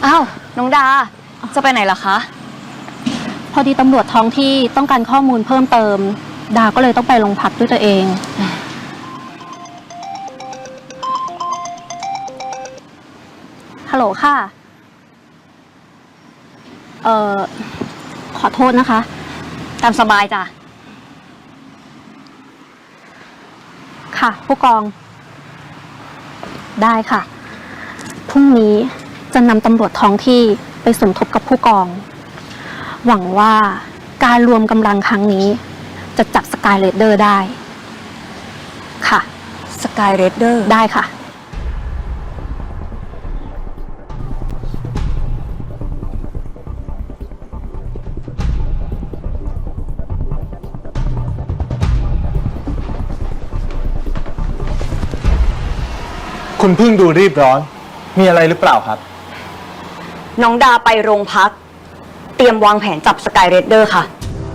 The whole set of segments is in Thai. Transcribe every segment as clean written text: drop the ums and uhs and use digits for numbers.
อ้าวน้องดาจะไปไหนล่ะคะพอดีตำรวจท้องที่ต้องการข้อมูลเพิ่มเติมดาก็เลยต้องไปโรงพักด้วยตัวเองฮัลโหลค่ะขอโทษนะคะตามสบายจ้ะค่ะผู้กองได้ค่ะพรุ่งนี้จะนำตำรวจท้องที่ไปสมทบกับผู้กองหวังว่าการรวมกำลังครั้งนี้จะจับสกายเรดเดอร์ได้ค่ะสกายเรดเดอร์ได้ค่ะคุณพึ่งดูรีบร้อนมีอะไรหรือเปล่าครับน้องดาไปโรงพักเตรียมวางแผนจับสกายเรดเดอร์ค่ะ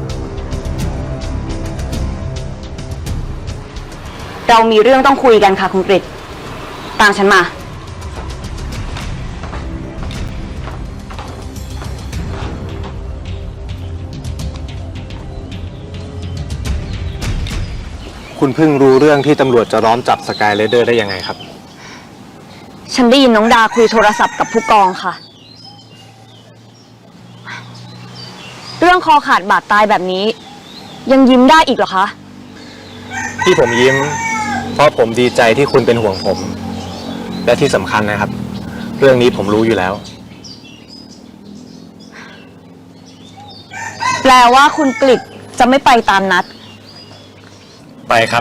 เรามีเรื่องต้องคุยกันค่ะคุณกฤษตามฉันมาคุณพึ่งรู้เรื่องที่ตำรวจจะล้อมจับสกายเรดเดอร์ได้ยังไงครับฉันได้ยินน้องดาคุยโทรศัพท์กับผู้กองค่ะเรื่องคอขาดบาดตายแบบนี้ยังยิ้มได้อีกเหรอคะที่ผมยิ้มเพราะผมดีใจที่คุณเป็นห่วงผมและที่สำคัญนะครับเรื่องนี้ผมรู้อยู่แล้วแปลว่าคุณกฤษจะไม่ไปตามนัดไปครับ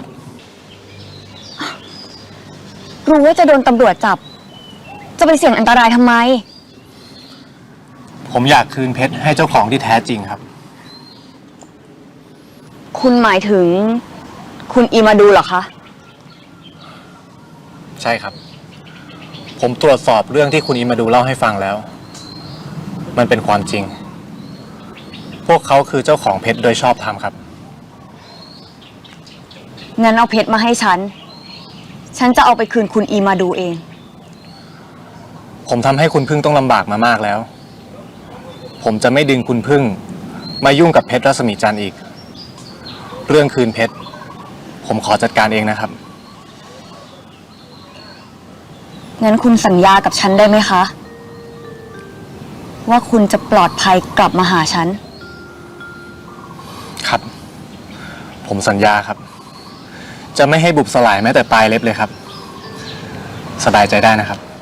รู้ว่าจะโดนตำรวจจับจะไปเสี่ยงอันตรายทำไมผมอยากคืนเพชรให้เจ้าของที่แท้จริงครับคุณหมายถึงคุณอีมาดูเหรอคะใช่ครับผมตรวจสอบเรื่องที่คุณอีมาดูเล่าให้ฟังแล้วมันเป็นความจริงพวกเขาคือเจ้าของเพชรโดยชอบธรรมครับงั้นเอาเพชรมาให้ฉันจะเอาไปคืนคุณอีมาดูเองผมทำให้คุณพึ่งต้องลำบากมามากแล้วผมจะไม่ดึงคุณพึ่งมายุ่งกับเพชรรัศมีจันทร์อีกเรื่องคืนเพชรผมขอจัดการเองนะครับงั้นคุณสัญญากับฉันได้ไหมคะว่าคุณจะปลอดภัยกลับมาหาฉันครับผมสัญญาครับจะไม่ให้บุบสลายแม้แต่ปลายเล็บเลยครับสบายใจได้นะครับ